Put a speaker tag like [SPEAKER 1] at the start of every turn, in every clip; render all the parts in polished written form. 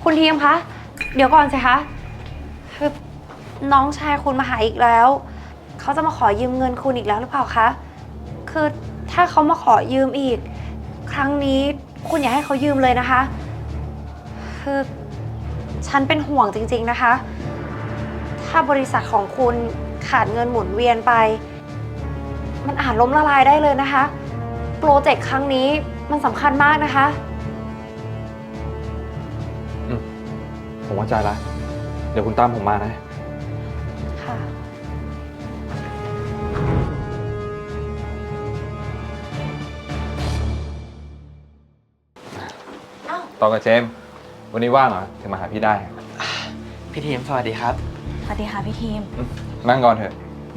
[SPEAKER 1] คุณทีมคะ เดี๋ยวก่อนสิคะคือน้องชายคุณมาหาอีกแล้ว เขาจะมาขอยืมเงินคุณอีกแล้วหรือเปล่าคะ คือถ้าเขามาขอยืมอีก ครั้งนี้คุณอย่าให้เขายืมเลยนะคะ คือฉันเป็นห่วงจริงๆนะคะ ถ้าบริษัทของคุณขาดเงินหมุนเวียนไป มันอาจล้มละลายได้เลยนะคะ โปรเจกต์ครั้งนี้มันสำคัญมากนะคะ
[SPEAKER 2] ผมเข้าใจแล้วเดี๋ยวคุณตามผมมานะ
[SPEAKER 1] ค่ะ
[SPEAKER 2] ตองกับเจมส์วันนี้ว่างเหรอถึงมาหาพี่ได้
[SPEAKER 3] พี่ทีมสวัสดีครับ
[SPEAKER 1] สวัสดีค่ะพี่ทีม
[SPEAKER 2] นั่งก่อนเถอะ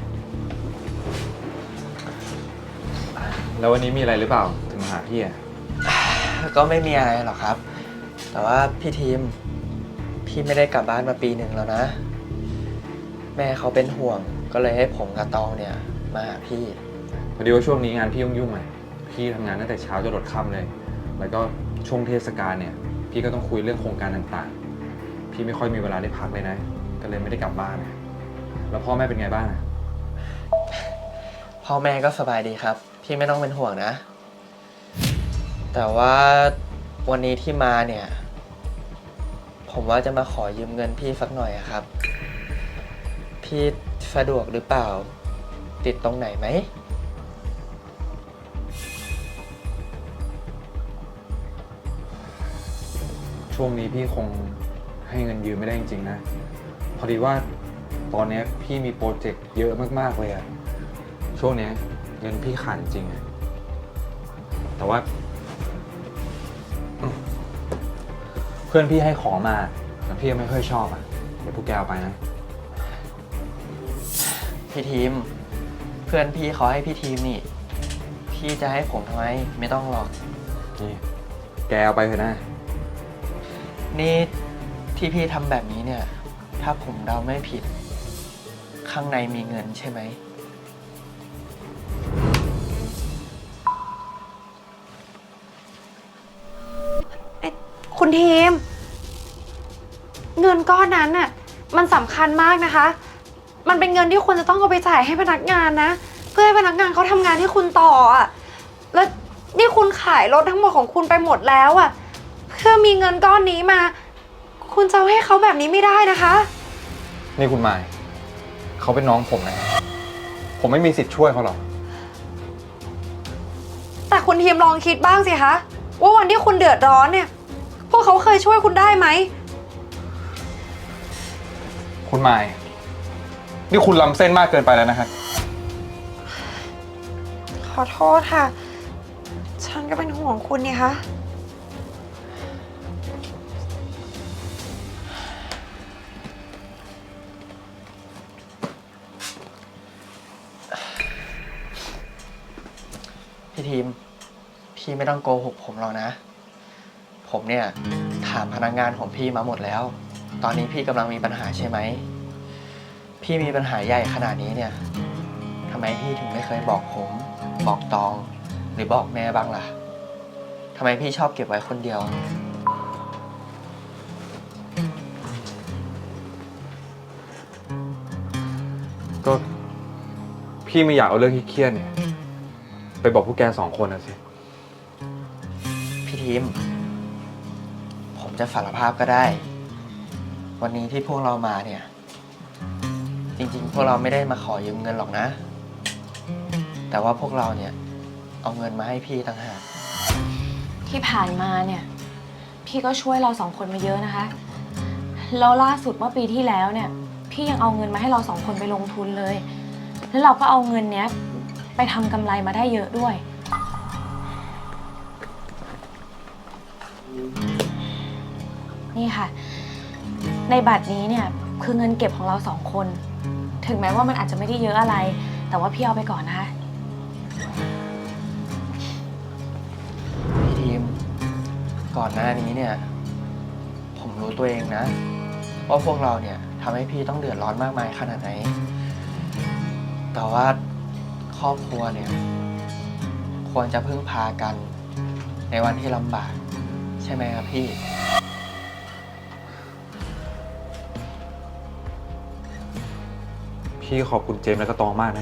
[SPEAKER 2] แล้ววันนี้มีอะไรหรือเปล่าถึงมาหาพี่อ่ะ
[SPEAKER 3] ก็ไม่มีอะไรหรอกครับ แต่ว่าพี่ทีมพี่ไม่ได้กลับบ้านมาปีหนึ่งแล้วนะ แม่เขาเป็นห่วงก็เลยให้ผมกับตองเนี่ยมาหาพี่
[SPEAKER 2] พอดีว่าช่วงนี้งานพี่ยุ่งๆหน่อยพี่ทำงานตั้งแต่เช้าจนหลดค่ำเลย แล้วก็ช่วงเทศกาลเนี่ยพี่ก็ต้องคุยเรื่องโครงการต่างๆพี่ไม่ค่อยมีเวลาได้พักเลยนะก็เลยไม่ได้กลับบ้านนะแล้วพ่อแม่เป็นไงบ้างอะ
[SPEAKER 3] พ่อแม่ก็สบายดีครับพี่ไม่ต้องเป็นห่วงนะ แต่ว่าวันนี้ที่มาเนี่ยผมว่าจะมาขอยืมเงินพี่สักหน่อยอะครับพี่สะดวกหรือเปล่าติดตรงไหนไหม
[SPEAKER 2] ช่วงนี้พี่คงให้เงินยืมไม่ได้จริงๆนะพอดีว่าตอนนี้พี่มีโปรเจกต์เยอะมากๆเลยอะช่วงนี้เงินพี่ขาดจริงอะแต่ว่าเพื่อนพี่ให้ของมาแต่พี่ยังไม่ค่อยชอบอะเดี๋ยวพวกแกเอาไปนะ
[SPEAKER 3] พี่ทีมเพื่อนพี่เขาให้พี่ทีมนี่พี่จะให้ผมทำไมไม่ต้องหรอก
[SPEAKER 2] นี่แกเอาไปเถอะนะ
[SPEAKER 3] นี่ที่พี่ทำแบบนี้เนี่ยถ้าผมเดาไม่ผิดข้างในมีเงินใช่ไหม
[SPEAKER 1] คุณทีม เงินก้อนนั้นน่ะมันสำคัญมากนะคะ มันเป็นเงินที่คุณจะต้องเอาไปจ่ายให้พนักงานนะ เพื่อให้พนักงานเขาทำงานให้คุณต่ออ่ะแล้วนี่คุณขายรถทั้งหมดของคุณไปหมดแล้วอ่ะเพื่อมีเงินก้อนนี้มา คุณจะให้เขาแบบนี้ไม่ได้นะคะ
[SPEAKER 2] นี่คุณหมายเขาเป็นน้องผมนะผมไม่มีสิทธิ์ช่วยเขาหรอก
[SPEAKER 1] แต่คุณทีมลองคิดบ้างสิคะว่าวันที่คุณเดือดร้อนเนี่ยพวกเขาเคยช่วยคุณได้ไหม
[SPEAKER 2] คุณหมายนี่คุณล้ำเส้นมากเกินไปแล้วนะครับ
[SPEAKER 1] ขอโทษค่ะ ฉันก็เป็นห่วงคุณนี่คะ
[SPEAKER 3] พี่ทีมพี่ไม่ต้องโกหกผมหรอกนะผมเนี่ยถามพนักงานของพี่มาหมดแล้วตอนนี้พี่กำลังมีปัญหาใช่ไหมพี่มีปัญหาใหญ่ขนาดนี้เนี่ยทำไมพี่ถึงไม่เคยบอกผมบอกตองหรือบอกแม่บ้างล่ะทำไมพี่ชอบเก็บไว้คนเดียว
[SPEAKER 2] ก็พี่ไม่อยากเอาเรื่องที่เครียดเนี่ยไปบอกพวกแกสองคนนะสิ
[SPEAKER 3] พี่ทีมผมจะสารภาพก็ได้ วันนี้ที่พวกเรามาเนี่ยจริงๆพวกเราไม่ได้มาขอยืมเงินหรอกนะ แต่ว่าพวกเราเนี่ยเอาเงินมาให้พี่ต่างหาก
[SPEAKER 4] ที่ผ่านมาเนี่ยพี่ก็ช่วยเราสองคนมาเยอะนะคะแล้วล่าสุดเมื่อปีที่แล้วเนี่ยพี่ยังเอาเงินมาให้เราสองคนไปลงทุนเลยแล้วเราก็เอาเงินเนี้ยไปทำกำไรมาได้เยอะด้วยนี่ค่ะในบัตรนี้เนี่ยคือเงินเก็บของเราสองคนถึงแม้ว่ามันอาจจะไม่ได้เยอะอะไรแต่ว่าพี่เอาไปก่อนนะคะ
[SPEAKER 3] พี่ทีมก่อนหน้านี้เนี่ยผมรู้ตัวเองนะว่าพวกเราเนี่ยทำให้พี่ต้องเดือดร้อนมากมายขนาดไหนแต่ว่าครอบครัวเนี่ยควรจะพึ่งพากันในวันที่ลำบากใช่ไหมครับพี่
[SPEAKER 2] พี่ขอบคุณเจมส์และก็ตองมากนะ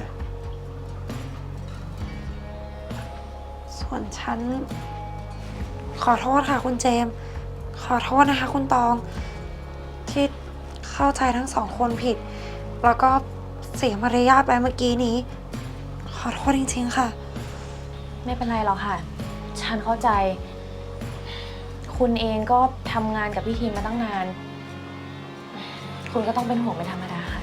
[SPEAKER 1] ส่วนฉัน ขอโทษค่ะคุณเจมส์ขอโทษนะคะคุณตอง ที่เข้าใจทั้งสองคนผิด แล้วก็เสียมารยาทไปเมื่อกี้นี้ ขอโทษจริงๆค่ะ
[SPEAKER 4] ไม่เป็นไรหรอกค่ะ ฉันเข้าใจ คุณเองก็ทำงานกับพี่ทีมมาตั้งนาน คุณก็ต้องเป็นห่วงเป็นธรรมดาค่ะ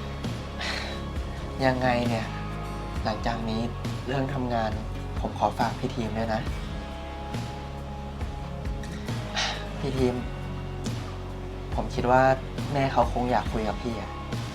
[SPEAKER 3] ยังไงเนี่ย หลังจากนี้เรื่องทำงานผมขอฝากพี่ทีมด้วยนะ พี่ทีม ผมคิดว่าแม่เขาคงอยากคุยกับพี่อะ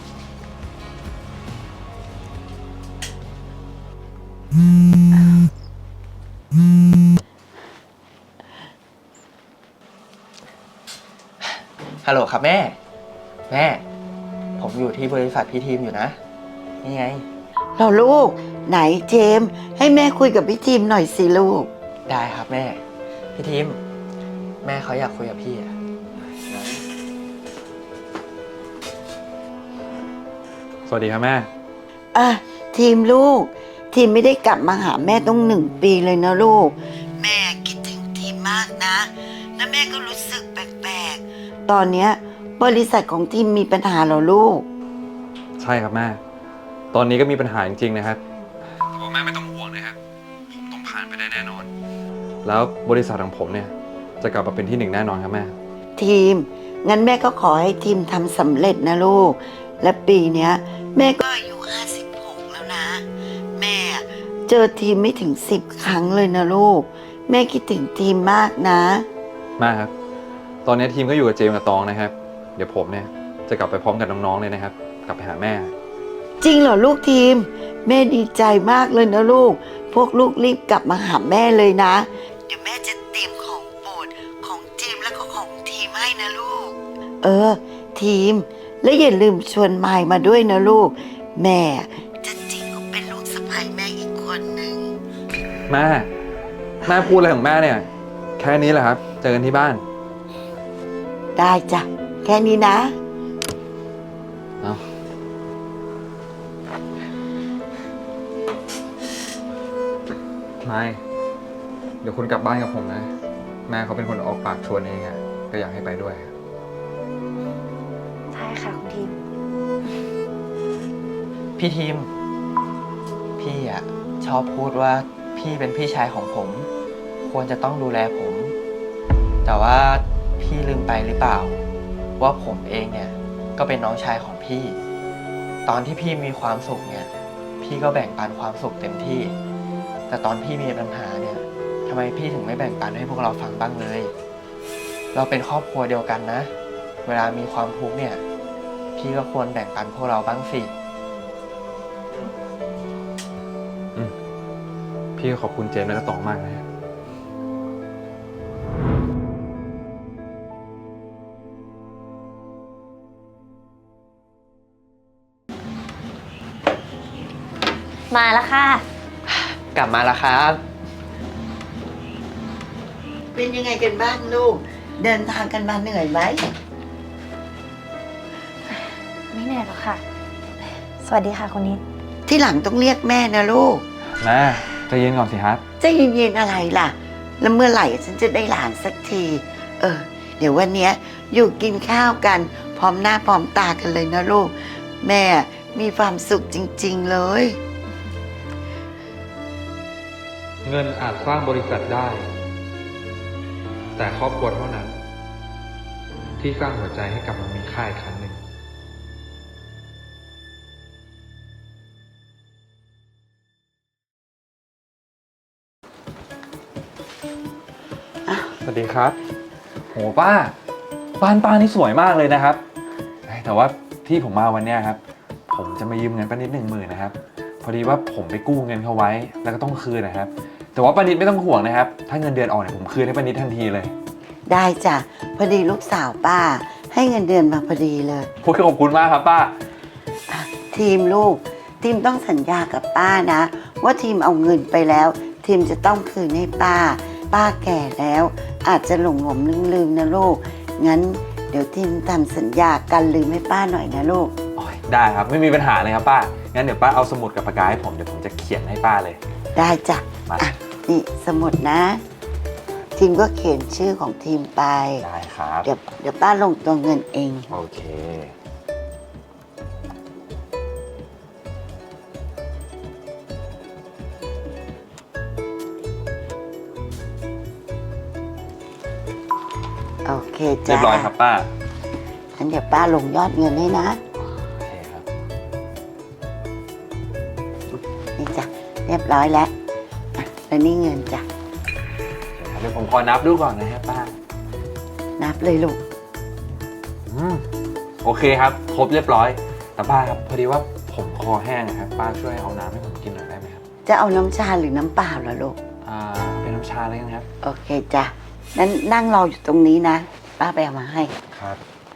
[SPEAKER 3] ฮัลโหลครับแม่ แม่ ผมอยู่ที่บริษัทพี่ทีมอยู่นะ นี่ไง
[SPEAKER 5] เราลูก ไหนเจมส์ให้แม่คุยกับพี่ทีมหน่อยสิลูก
[SPEAKER 3] ได้ครับแม่ พี่ทีม แม่เขาอยากคุยกับพี่อะ
[SPEAKER 2] สวัสดีครับแม่
[SPEAKER 5] อ่ะทีมลูก ทีมไม่ได้กลับมาหาแม่ต้อง1 ปีเลยนะลูก แม่คิดถึงทีมมากนะ แล้วแม่ก็รู้สึกแปลกๆ ตอนเนี้ยบริษัทของทีมมีปัญหาเหรอลูก
[SPEAKER 2] ใช่ครับแม่ ตอนนี้ก็มีปัญหาจริงๆนะครับแต่ว่าแม่ไม่ต้องห่วงนะครับ ผมต้องผ่านไปได้แน่นอน แล้วบริษัทของผมเนี่ยจะกลับมาเป็นที่ 1แน่นอนครับแม่
[SPEAKER 5] ทีม งั้นแม่ก็ขอให้ทีมทำสำเร็จนะลูก และปีเนี้ยแม่ก็อายุ56แล้วนะ แม่เจอทีมไม่ถึง10 ครั้งเลยนะลูก แม่คิดถึงทีมมากนะ
[SPEAKER 2] แม่ครับ ตอนนี้ทีมก็อยู่กับเจมส์กับตองนะครับ เดี๋ยวผมเนี่ยจะกลับไปพร้อมกับน้องๆเลยนะครับ กลับไปหาแม่
[SPEAKER 5] จริงเหรอลูกทีม แม่ดีใจมากเลยนะลูก พวกลูกรีบกลับมาหาแม่เลยนะ เดี๋ยวแม่จะเตรียมของโปรดของเจมส์และก็ของทีมให้นะลูก ทีม และอย่าลืมชวนมายมาด้วยนะลูก แม่จะจริงก็เป็นลูกสะใภ้แม่อีกคนหนึ่ง
[SPEAKER 2] แม่พูดอะไรของแม่เนี่ย แค่นี้แหละครับ เจอกันที่บ้าน
[SPEAKER 5] ได้จ้ะ แค่นี้นะ
[SPEAKER 2] เอาไม่เดี๋ยวคุณกลับบ้านกับผมนะ แม่เขาเป็นคนออกปากชวนเองอะก็อยากให้ไปด้วย
[SPEAKER 1] ใช่ค่ะคุณทีม
[SPEAKER 3] พี่ทีม พี่อะชอบพูดว่าพี่เป็นพี่ชายของผม ควรจะต้องดูแลผม แต่ว่าพี่ลืมไปหรือเปล่า ว่าผมเองเนี่ยก็เป็นน้องชายของพี่ ตอนที่พี่มีความสุขเนี่ยพี่ก็แบ่งปันความสุขเต็มที่ แต่ตอนพี่มีปัญหาเนี่ยทำไมพี่ถึงไม่แบ่งปันให้พวกเราฟังบ้างเลย เราเป็นครอบครัวเดียวกันนะ เวลามีความทุกข์เนี่ยพี่ก็ควรแบ่งปันพวกเราบ้างสิ
[SPEAKER 2] พี่ขอบคุณเจมส์และก็ตองมากนะครับ
[SPEAKER 4] มาแล้วค่ะ
[SPEAKER 3] กลับมาแล้วครับ
[SPEAKER 5] เป็นยังไงกันบ้างลูก เดินทางกันมาเหนื่อยไหม
[SPEAKER 1] ไม่เหนื่อยหรอกค่ะ สวัสดีค่ะคุณนิด
[SPEAKER 5] ที่หลังต้องเรียกแม่นะลูก
[SPEAKER 2] แม่ใจเย็นก่อนสิครับ
[SPEAKER 5] จะเย็นๆอะไรล่ะ แล้วเมื่อไหร่ฉันจะได้หลานสักที เดี๋ยววันเนี้ยอยู่กินข้าวกัน พร้อมหน้าพร้อมตากันเลยนะลูก แม่มีความสุขจริงๆเลย
[SPEAKER 2] เงินอาจสร้างบริษัทได้ แต่ครอบครัวเท่านั้น ที่สร้างหัวใจให้กลับมามีค่าอีกครั้งหนึ่ง สวัสดีครับ โหป้า บ้านป้านี่สวยมากเลยนะครับ แต่ว่าที่ผมมาวันเนี้ยครับ ผมจะมายืมเงินป้านิด10,000นะครับ พอดีว่าผมไปกู้เงินเขาไว้แล้วก็ต้องคืนนะครับ แต่ว่าป้านิดไม่ต้องห่วงนะครับ ถ้าเงินเดือนออกเนี่ยผมคืนให้ป้านิดทันทีเลย
[SPEAKER 5] ได้จ้ะ พอดีลูกสาวป้า ให้เงินเดือนมาพอดีเลย
[SPEAKER 2] พูดขอบคุณมากครับป้า
[SPEAKER 5] ทีมลูก ทีมต้องสัญญากับป้านะ ว่าทีมเอาเงินไปแล้ว ทีมจะต้องคืนให้ป้า ป้าแก่แล้ว อาจจะหลงลืมๆนะลูก งั้นเดี๋ยวทีมทำสัญญากันลืมให้ป้าหน่อยนะลูก
[SPEAKER 2] โอ้ยได้ครับไม่มีปัญหาเลยครับป้างั้นเดี๋ยวป้าเอาสมุดกับปากกาให้ผมเดี๋ยวผมจะเขียนให้ป้าเลย
[SPEAKER 5] ได้จ้ะ
[SPEAKER 2] มา
[SPEAKER 5] อ่ะนี่สมุดนะ ทีมก็เขียนชื่อของทีมไป
[SPEAKER 2] ได้ครับ
[SPEAKER 5] เดี๋ยวป้าลงตัวเงินเอง
[SPEAKER 2] โอเค
[SPEAKER 5] โอเค
[SPEAKER 2] เรี
[SPEAKER 5] จ้ะ
[SPEAKER 2] ยบร้อยครับป้า
[SPEAKER 5] งั้นเดี๋ยวป้าลงยอดเงินให้นะ
[SPEAKER 2] โอเคครับ
[SPEAKER 5] นี่จ้ะเรียบร้อยแล้วอ่ะแล้วนี่เงินจ้ะ
[SPEAKER 2] เดี๋ยวผมขอนับดูก่อนนะครับป้า
[SPEAKER 5] นับเลยลูก
[SPEAKER 2] โอเคครับครบเรียบร้อยแต่ป้าครับพอดีว่าผมคอแห้งนะครับป้าช่วยเอาน้ำให้ผมกินหน่อยได้ไหมครับ
[SPEAKER 5] จะเอาน้ำชาหรือน้ำเปล่าล่ะลูก
[SPEAKER 2] เป็นน้ำชาเลยกันครับ
[SPEAKER 5] โอเคจ้ะนั้นนั่งรออยู่ตรงนี้นะ ป้าไปเอามาให้
[SPEAKER 2] ครับ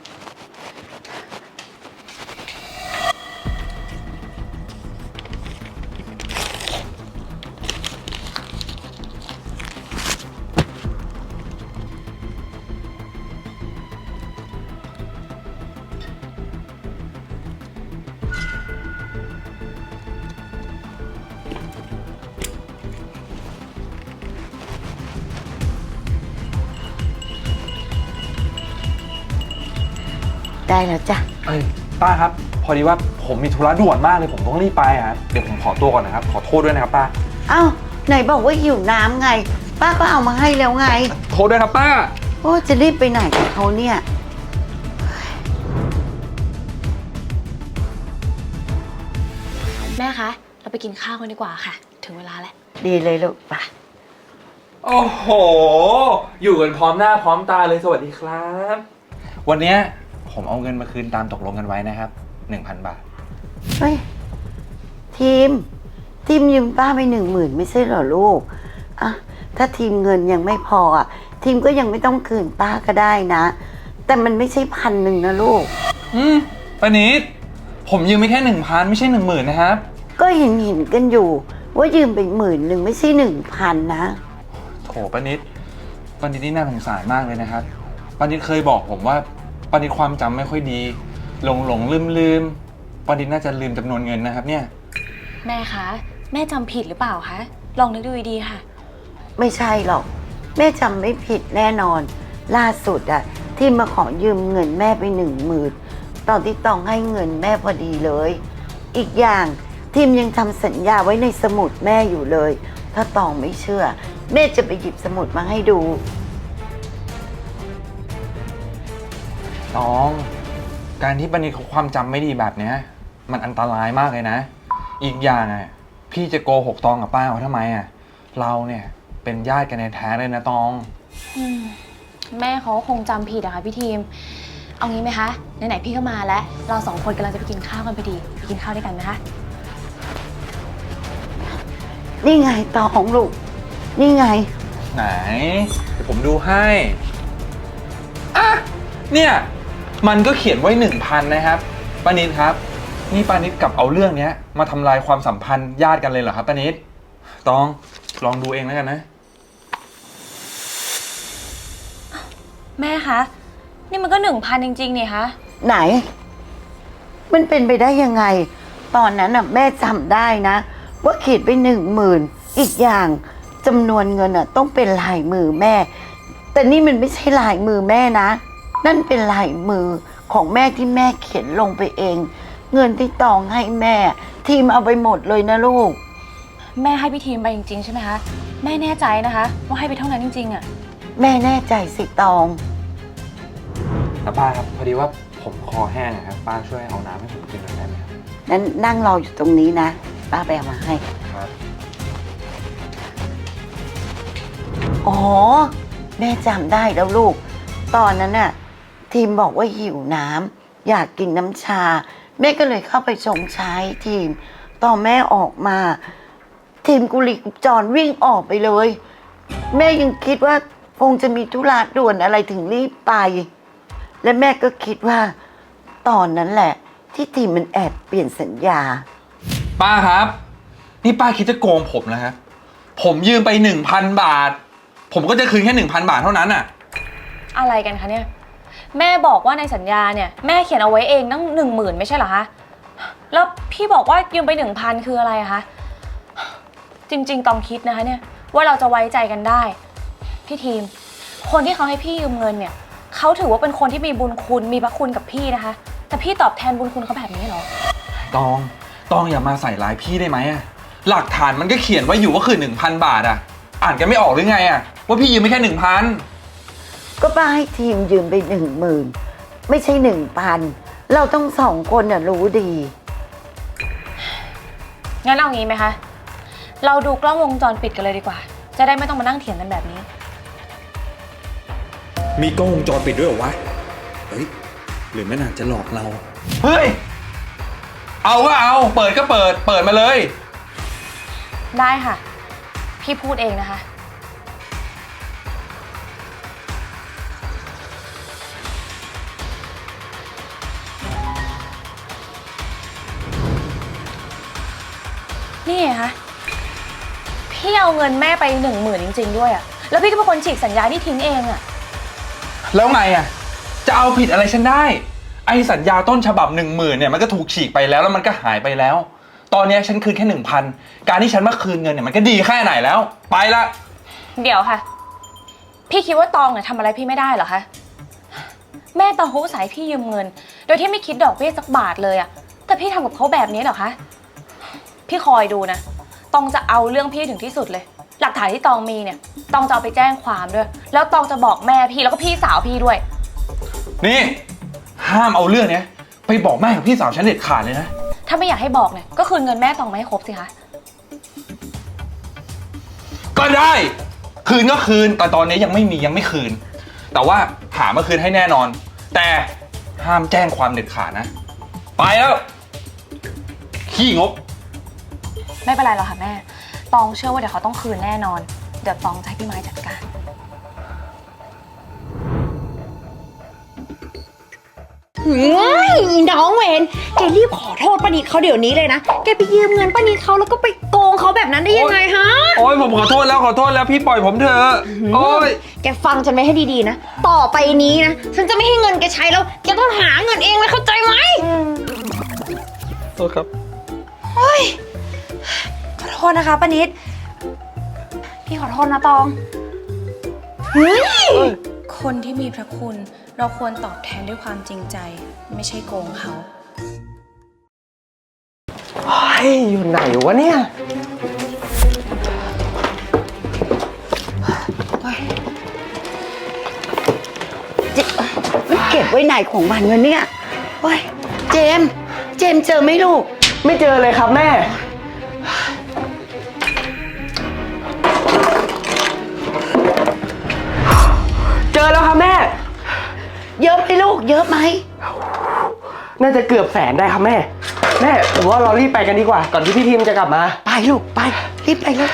[SPEAKER 5] ได้แล้วจ้ะ
[SPEAKER 2] เอ้ยป้าครับ พอดีว่าผมมีธุระด่วนมากเลยผมต้องรีบไปครับเดี๋ยวผมขอตัวก่อนนะครับขอโทษด้วยนะครับป้า
[SPEAKER 5] เอ้าไหนบอกว่าหิวน้ำไง ป้าก็เอามาให้แล้วไง
[SPEAKER 2] โทษด้วยครับป้า
[SPEAKER 5] โอ้จะรีบไปไหนกับเขาเนี่ย
[SPEAKER 4] แม่คะ เราไปกินข้าวกันดีกว่าค่ะ ถึงเวลาแล้ว
[SPEAKER 5] ดีเลยลูกไป่ะ
[SPEAKER 2] โอ้โห อยู่กันพร้อมหน้าพร้อมตาเลยสวัสดีครับ วันเนี้ยผมเอาเงินมาคืนตามตกลงกันไว้นะครับ 1,000 บาท
[SPEAKER 5] เฮ้ยทีมยืมป้าไป10,000ไม่ใช่เหรอลูกอ่ะถ้าทีมเงินยังไม่พออ่ะทีมก็ยังไม่ต้องคืนป้าก็ได้นะ แต่มันไม่ใช่1,000นะลูก
[SPEAKER 2] ป้านิดผมยืมไม่แค่ 1,000 ไม่ใช่ 10,000นะครับ
[SPEAKER 5] ก็เห็นกันอยู่ว่ายืมไป10,000ไม่ใช่1,000นะ
[SPEAKER 2] โถป้านิดนี่น่าสงสารมากเลยนะครับป้านิดเคยบอกผมว่าป้านิดความจำไม่ค่อยดีหลงลืมป้านิดน่าจะลืมจำนวนเงินนะครับเนี่ย
[SPEAKER 4] แม่คะ แม่จำผิดหรือเปล่าคะ ลองนึกดูดีๆค่ะ
[SPEAKER 5] ไม่ใช่หรอกแม่จำไม่ผิดแน่นอน ล่าสุดอะที่มาขอยืมเงินแม่ไป10,000ตอนที่ต้องให้เงินแม่พอดีเลย อีกอย่างทีมยังทำสัญญาไว้ในสมุดแม่อยู่เลย ถ้าตองไม่เชื่อ แม่จะไปหยิบสมุดมาให้ดู
[SPEAKER 2] น้องการที่ป้านิดเขาความจำไม่ดีแบบเนี้ยมันอันตรายมากเลยนะ อีกอย่างอ่ะพี่จะโกหกตองกับป้าเขาทำไมอ่ะเราเนี่ยเป็นญาติกันในแท้เลยนะตอง
[SPEAKER 4] แม่เขาคงจำผิดอะค่ะพี่ทีม เอางี้ไหมคะ ไหนๆพี่ก็มาแล้ว เรา2 คนกำลังจะไปกินข้าวกันพอดี ไปกินข้าวด้วยกันนะคะ
[SPEAKER 5] นี่ไงตองลูก นี่ไง
[SPEAKER 2] ไหนเดี๋ยวผมดูให้อ่ะเนี่ยมันก็เขียนไว้ 1,000นะครับป้านิดครับนี่ป้านิดกลับเอาเรื่องเนี้ยมาทำลายความสัมพันธ์ญาติกันเลยเหรอครับป้านิดตองลองดูเองแล้วกันนะ
[SPEAKER 4] แม่คะ นี่มันก็ 1,000จริงๆนี่คะ
[SPEAKER 5] ไหน มันเป็นไปได้ยังไง ตอนนั้นน่ะแม่จำได้นะ ว่าขีดไป10,000อีกอย่างจำนวนเงินน่ะต้องเป็นลายมือแม่ แต่นี่มันไม่ใช่ลายมือแม่นะ นั่นเป็นลายมือของแม่ที่แม่เขียนลงไปเอง เงินที่ตองให้แม่ ทีมเอาไปหมดเลยนะลูก
[SPEAKER 4] แม่ให้พี่ทีมไปจริงๆใช่ไหมคะ แม่แน่ใจนะคะ ว่าให้ไปเท่านั้นจริงๆอะ
[SPEAKER 5] แม่แน่ใจสิตอง
[SPEAKER 2] แต่ป้าครับพอดีว่าผมคอแห้งอะครับป้าช่วยเอาน้ำให้ผมกินหน่อยได้ไหมครับ
[SPEAKER 5] นั้นนั่งรออยู่ตรงนี้นะ ป้าไปเอามาให้
[SPEAKER 2] ครับ
[SPEAKER 5] อ๋อ แม่จำได้แล้วลูก ตอนนั้นน่ะ ทีมบอกว่าหิวน้ำอยากกินน้ำชา แม่ก็เลยเข้าไปชงชาให้ทีม ตอนแม่ออกมา ทีมกุลีกุจรวิ่งออกไปเลย แม่ยังคิดว่าคงจะมีธุระด่วนอะไรถึงรีบไป และแม่ก็คิดว่า ตอนนั้นแหละ ที่ทีมมันแอบเปลี่ยนสัญญา
[SPEAKER 2] ป้าครับ นี่ป้าคิดจะโกงผมนะครับผมยืมไป 1,000 บาท ผมก็จะคืนแค่ 1,000 บาทเท่านั้นอ่ะ
[SPEAKER 4] อะไรกันคะเนี่ย แม่บอกว่าในสัญญาเนี่ยแม่เขียนเอาไว้เองตั้ง10,000ไม่ใช่เหรอคะแล้วพี่บอกว่ายืมไป 1,000 คืออะไรอะคะ จริงๆ ต้องคิดนะคะเนี่ยว่าเราจะไว้ใจกันได้ พี่ทีม คนที่เขาให้พี่ยืมเงินเนี่ยเขาถือว่าเป็นคนที่มีบุญคุณมีพระคุณกับพี่นะคะ แต่พี่ตอบแทนบุญคุณเขาแบบนี้เหรอ
[SPEAKER 2] ตองอย่ามาใส่ร้ายพี่ได้ไหมอะหลักฐานมันก็เขียนไว้อยู่ว่าคือ 1,000 บาทอะอ่านกันไม่ออกหรือไงอะว่าพี่ยืมไม่แค่ 1,000
[SPEAKER 5] ก็ป้าให้ทีมยืมไป10,000ไม่ใช่1,000เราต้อง2 คนน่ะรู้ดี
[SPEAKER 4] งั้นเอางี้ไหมคะ เราดูกล้องวงจรปิดกันเลยดีกว่า จะได้ไม่ต้องมานั่งเถียงกันแบบนี้
[SPEAKER 2] มีกล้องวงจรปิดด้วยเหรอวะ เฮ้ย หรือแม่นางจะหลอกเรา เฮ้ย เอาก็เอา เปิดก็เปิดมาเลย
[SPEAKER 4] ได้ค่ะ พี่พูดเองนะคะ นี่ไงคะพี่เอาเงินแม่ไป10,000จริงๆด้วยอะแล้วพี่ก็เป็นคนฉีกสัญญาที่ทิ้งเองอะ
[SPEAKER 2] แล้วไงอะจะเอาผิดอะไรฉันได้ ไอสัญญาต้นฉบับ 10,000เนี่ยมันก็ถูกฉีกไปแล้วมันก็หายไปแล้ว ตอนนี้ฉันคืนแค่ 1,000 การที่ฉันมาคืนเงินเนี่ยมันก็ดีแค่ไหนแล้ว ไปละ
[SPEAKER 4] เดี๋ยวค่ะ พี่คิดว่าตองเนี่ยทำอะไรพี่ไม่ได้เหรอคะ แม่ตองเขาอุตส่าห์ให้พี่ยืมเงิน โดยที่ไม่คิดดอกเบี้ยสักบาทเลยอะแต่พี่ทำกับเขาแบบนี้เหรอคะ พี่คอยดูนะ ตองจะเอาเรื่องพี่ถึงที่สุดเลย หลักฐานที่ตองมีเนี่ย ตองจะเอาไปแจ้งความด้วย แล้วตองจะบอกแม่พี่แล้วก็พี่สาวพี่ด้วย
[SPEAKER 2] นี่ ห้ามเอาเรื่องเนี้ยไปบอกแม่กับพี่สาวฉันเด็ดขาดเลยนะ
[SPEAKER 4] ถ้าไม่อยากให้บอกเนี่ย ก็คืนเงินแม่ตองมาให้ครบสิคะ
[SPEAKER 2] ก็ได้ คืนก็คืน แต่ตอนนี้ยังไม่คืน แต่ว่าหามาคืนให้แน่นอน แต่ห้ามแจ้งความเด็ดขาดนะ ไปแล้ว ขี้งก
[SPEAKER 4] ไม่เป็นไรหรอกค่ะแม่ ตองเชื่อว่าเดี๋ยวเขาต้องคืนแน่นอน เดี๋ยวตองจะให้พี่ไม้จัดการ
[SPEAKER 1] น้องเวนแกรีบขอโทษป้านิดเขาเดี๋ยวนี้เลยนะ แกไปยืมเงินป้านิดเขาแล้วก็ไปโกงเขาแบบนั้นได้ยังไงฮะ
[SPEAKER 2] โอ้ยผมขอโทษแล้วพี่ปล่อยผมเถอะโอ้ย
[SPEAKER 1] แกฟังฉันไว้ให้ดีๆนะ ต่อไปนี้นะ ฉันจะไม่ให้เงินแกใช้แล้ว แกต้องหาเงินเองเลยเข้าใจไหม
[SPEAKER 2] โทษครับ
[SPEAKER 1] ขอโทษนะคะป้านิด พี่ขอโทษนะตอง
[SPEAKER 4] คนที่มีพระคุณ เราควรตอบแทนด้วยความจริงใจ ไม่ใช่โกงเขา
[SPEAKER 3] เฮ้ย อยู่ไหนวะเนี่ย
[SPEAKER 5] มันเก็บไว้ไหนของมันวะเนี่ยโอ้ยเจมส์เจอไหมลูก
[SPEAKER 3] ไม่เจอเลยครับแม่ เจอแล้วครับแม่
[SPEAKER 5] เยอะไหมลูก เยอะไหม
[SPEAKER 3] น่าจะเกือบ100,000ได้ครับแม่ แม่ผมว่าเรารีบไปกันดีกว่า ก่อนที่พี่ทีมจะกลับมา
[SPEAKER 5] ไปลูกไป รีบไปเลย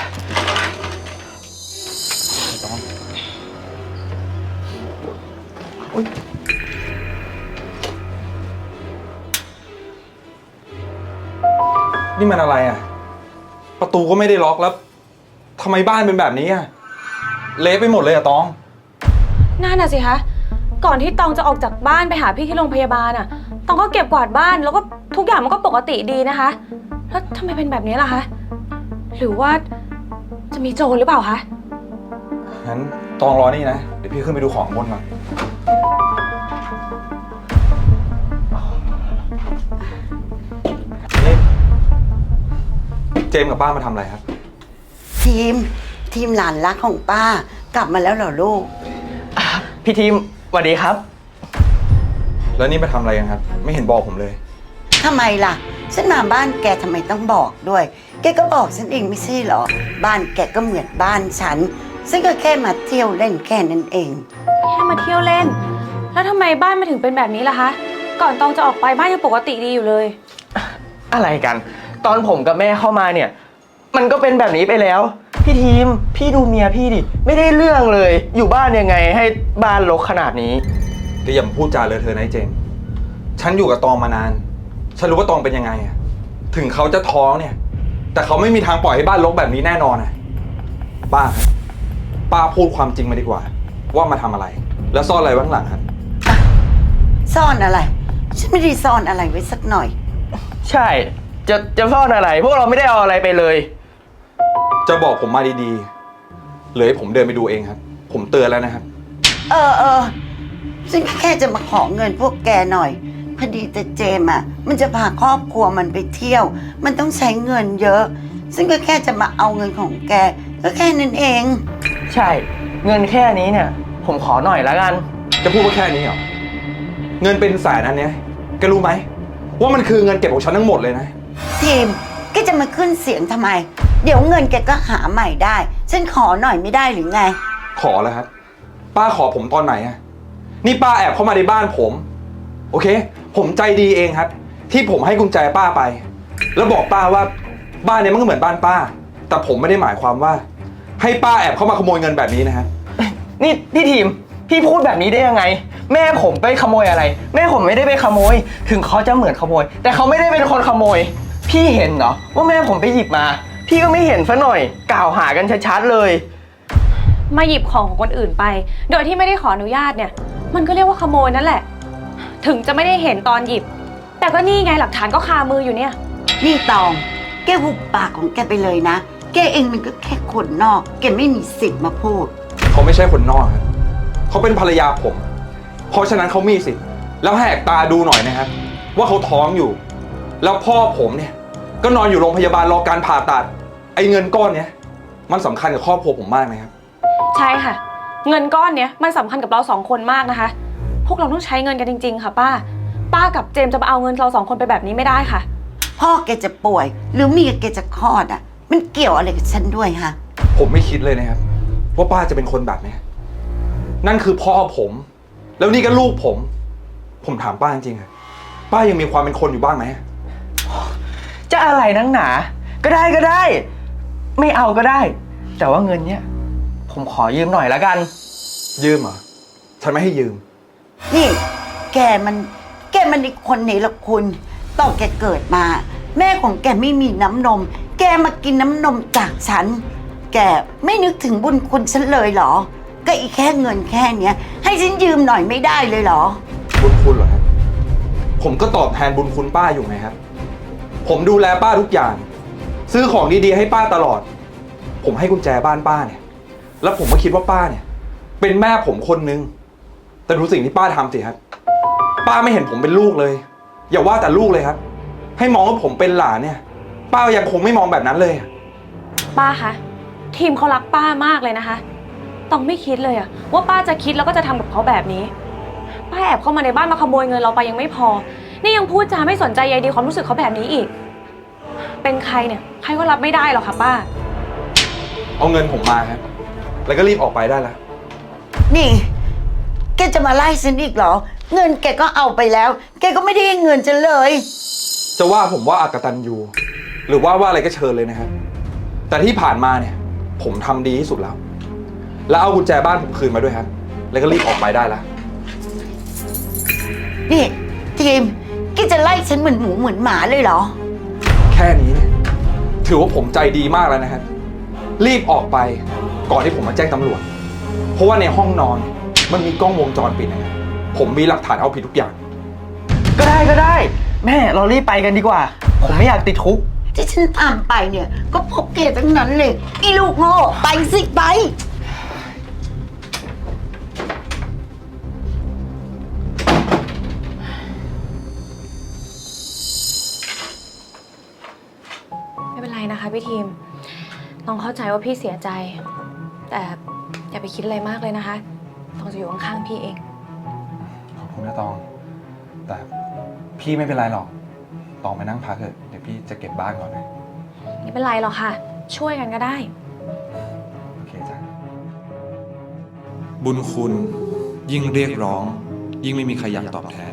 [SPEAKER 2] นี่มันอะไรอ่ะ ประตูก็ไม่ได้ล็อกแล้วทำไมบ้านเป็นแบบนี้อ่ะ เละไปหมดเลยอ่ะตอง
[SPEAKER 4] นั่นน่ะสิคะ ก่อนที่ตองจะออกจากบ้านไปหาพี่ที่โรงพยาบาลอ่ะ ตองก็เก็บกวาดบ้านแล้วก็ทุกอย่างมันก็ปกติดีนะคะ แล้วทำไมเป็นแบบนี้ล่ะคะ หรือว่าจะมีโจรหรือเปล่าคะ
[SPEAKER 2] งั้นตองรอนี่นะ เดี๋ยวพี่ขึ้นไปดูของบนก่อนนี่เจมส์กับป้ามาทำอะไรครับ
[SPEAKER 5] ทีมหลานรักของป้ากลับมาแล้วเหรอลูก
[SPEAKER 3] พี่ทีมสวัสดีครับ
[SPEAKER 2] แล้วนี่มาทำอะไรกันครับ ไม่เห็นบอกผมเลย
[SPEAKER 5] ทำไมล่ะ ฉันมาบ้านแกทำไมต้องบอกด้วย แกก็บอกฉันเองไม่ใช่เหรอ บ้านแกก็เหมือนบ้านฉันก็แค่มาเที่ยวเล่นแค่นั้นเอง
[SPEAKER 4] แค่มาเที่ยวเล่น แล้วทำไมบ้านมาถึงเป็นแบบนี้ล่ะคะ ก่อนตองจะออกไปบ้านยังปกติดีอยู่เลย
[SPEAKER 3] อะไรกัน ตอนผมกับแม่เข้ามาเนี่ย มันก็เป็นแบบนี้ไปแล้ว พี่ทีม พี่ดูเมียพี่ดิ ไม่ได้เรื่องเลย อยู่บ้านยังไงให้บ้านรกขนาดนี้
[SPEAKER 2] เดี๋ยวอย่ามาพูดจาเลอะเทอะนะไอ้เจมส์ฉันอยู่กับตองมานาน ฉันรู้ว่าตองเป็นยังไงอะถึงเขาจะท้องเนี่ย แต่เขาไม่มีทางปล่อยให้บ้านรกแบบนี้แน่นอนอะป้าครับป้าพูดความจริงมาดีกว่า ว่ามาทำอะไร แล้วซ่อนอะไรไว้ข้างหลังครับ
[SPEAKER 5] ซ่อนอะไร ฉันไม่ได้ซ่อนอะไรไว้สักหน่อย
[SPEAKER 3] ใช่ จะซ่อนอะไร พวกเราไม่ได้เอาอะไรไปเลย
[SPEAKER 2] จะบอกผมมาดีๆหรือให้ผมเดินไปดูเองครับ ผมเตือนแล้วนะครับ
[SPEAKER 5] เออซึ่งแค่จะมาขอเงินพวกแกหน่อย พอดีแต่เจมอะมันจะพาครอบครัวมันไปเที่ยว มันต้องใช้เงินเยอะ ซึ่งก็แค่จะมาเอาเงินของแก ก็แค่นั้นเอง
[SPEAKER 3] ใช่ เงินแค่นี้เนี่ย ผมขอหน่อยแล้วกัน
[SPEAKER 2] จะพูดว่าแค่นี้เหรอ เงินเป็นแสนอันเนี้ยแกรู้ไหมว่ามันคือเงินเก็บของฉันทั้งหมดเลยนะ
[SPEAKER 5] ทีมแกจะมาขึ้นเสียงทำไม เดี๋ยวเงินแกก็หาใหม่ได้ ฉันขอหน่อยไม่ได้หรือไง
[SPEAKER 2] ขอแล้วครับ ป้าขอผมตอนไหนอะนี่ป้าแอบเข้ามาในบ้านผม โอเค ผมใจดีเองครับ ที่ผมให้กุญแจป้าไป แล้วบอกป้าว่าบ้านเนี้ยมันก็เหมือนบ้านป้า แต่ผมไม่ได้หมายความว่า ให้ป้าแอบเข้ามาขโมยเงินแบบนี้นะฮะ
[SPEAKER 3] นี่พี่ทีม พี่พูดแบบนี้ได้ยังไง แม่ผมไปขโมยอะไร แม่ผมไม่ได้ไปขโมย ถึงเขาจะเหมือนขโมย แต่เขาไม่ได้เป็นคนขโมย พี่เห็นเหรอว่าแม่ผมไปหยิบมา พี่ก็ไม่เห็นซะหน่อย กล่าวหากันชัดๆเลย
[SPEAKER 4] มาหยิบของของคนอื่นไป โดยที่ไม่ได้ขออนุญาตเนี่ย มันก็เรียกว่าขโมยนั่นแหละ ถึงจะไม่ได้เห็นตอนหยิบ แต่ก็นี่ไงหลักฐานก็คามืออยู่เนี่ย
[SPEAKER 5] นี่ตอง แกหุบปากของแกไปเลยนะ แกเองมันก็แค่คนนอก แกไม่มีสิทธิ์มาพูด
[SPEAKER 2] เขาไม่ใช่คนนอกครับเขาเป็นภรรยาผม เพราะฉะนั้นเขามีสิทธิ์แล้วแหกตาดูหน่อยนะครับ ว่าเขาท้องอยู่ แล้วพ่อผมเนี่ยก็นอนอยู่โรงพยาบาลรอการผ่าตัด ไอ้เงินก้อนเนี้ยมันสำคัญกับครอบครัวผมมากนะครับ
[SPEAKER 4] ใช่ค่ะ เงินก้อนเนี้ยมันสำคัญกับเราสองคนมากนะคะ พวกเราต้องใช้เงินกันจริงๆค่ะป้า ป้ากับเจมส์จะมาเอาเงินเราสองคนไปแบบนี้ไม่ได้ค่ะ
[SPEAKER 5] พ่อแกจะป่วย หรือเมียแกจะคลอดอ่ะ มันเกี่ยวอะไรกับฉันด้วยฮะ
[SPEAKER 2] ผมไม่คิดเลยนะครับ ว่าป้าจะเป็นคนแบบนี้นั่นคือพ่อผม แล้วนี่ก็ลูกผม ผมถามป้าจริงๆอะป้ายังมีความเป็นคนอยู่บ้างไหม
[SPEAKER 3] จะอะไรนักหนา ก็ได้ ไม่เอาก็ได้ แต่ว่าเงินเนี้ยผมขอยืมหน่อยละกัน
[SPEAKER 2] ยืมเหรอฉันไม่ให้ยืม
[SPEAKER 5] นี่ แกมันอีกคนไหนละคุณตอนแกเกิดมา แม่ของแกไม่มีน้ำนม แกมากินน้ำนมจากฉัน แกไม่นึกถึงบุญคุณฉันเลยเหรอ ก็อีกแค่เงินแค่เนี้ย ให้ฉันยืมหน่อยไม่ได้เลยเหรอ
[SPEAKER 2] บุญคุณเหรอครับ ผมก็ตอบแทนบุญคุณป้าอยู่ไงครับ ผมดูแลป้าทุกอย่าง ซื้อของดีๆให้ป้าตลอด ผมให้กุญแจบ้านป้าเนี่ย แล้วผมก็คิดว่าป้าเนี่ย เป็นแม่ผมคนนึง แต่ดูสิ่งที่ป้าทำสิครับ ป้าไม่เห็นผมเป็นลูกเลย อย่าว่าแต่ลูกเลยครับ ให้มองว่าผมเป็นหลานเนี่ย ป้ายังคงไม่มองแบบนั้นเลย
[SPEAKER 4] ป้าคะ ทีมเขารักป้ามากเลยนะคะ ต้องไม่คิดเลยอะว่าป้าจะคิดแล้วก็จะทำกับเขาแบบนี้ ป้าแอบเข้ามาในบ้านมาขโมยเงินเราไปยังไม่พอ นี่ยังพูดจาไม่สนใจใยดีความรู้สึกเขาแบบนี้อีก เป็นใครเนี่ยใครก็รับไม่ได้หรอกค่ะป้า
[SPEAKER 2] เอาเงินผมมาครับ แล้วก็รีบออกไปได้แล้ว
[SPEAKER 5] นี่ แกจะมาไล่ฉันอีกเหรอ เงินแกก็เอาไปแล้ว แกก็ไม่ได้ให้เงินฉันเลย
[SPEAKER 2] จะว่าผมว่าอากตันยูหรือว่าอะไรก็เชิญเลยนะครับ แต่ที่ผ่านมาเนี่ย ผมทำดีที่สุดแล้ว แล้วเอากุญแจบ้านผมคืนมาด้วยครับ แล้วก็รีบออกไปได้แล้ว
[SPEAKER 5] นี่ทีมแกจะไล่ฉันเหมือนหมูเหมือนหมาเลยเหรอ
[SPEAKER 2] แค่นี้เนี่ยถือว่าผมใจดีมากแล้วนะครับ รีบออกไปก่อนที่ผมมาแจ้งตำรวจ เพราะว่าในห้องนอนมันมีกล้องวงจรปิดนะครับผมมีหลักฐานเอาผิดทุกอย่าง
[SPEAKER 3] ก็ได้ แม่เรารีบไปกันดีกว่า ผมไม่อยากติดคุก
[SPEAKER 5] ที่ฉันตามไปเนี่ย ก็พบแกทั้งนั้นเลยอีลูกโง่ไปสิไป
[SPEAKER 4] ไม่เป็นไรนะคะพี่ทีม ต้องเข้าใจว่าพี่เสียใจ แต่อย่าไปคิดอะไรมากเลยนะคะ ต้องจะอยู่ข้างๆพี่เอง
[SPEAKER 2] ขอบคุณนะตอง แต่พี่ไม่เป็นไรหรอก ตองไปนั่งพักเถอะเดี๋ยวพี่จะเก็บบ้านก่อนนะ
[SPEAKER 4] ไม่เป็นไรหรอกค่ะ ช่วยกันก็ได้
[SPEAKER 2] โอเคจ้ะบุญคุณยิ่งเรียกร้อง ยิ่งไม่มีใครอยากตอบแทน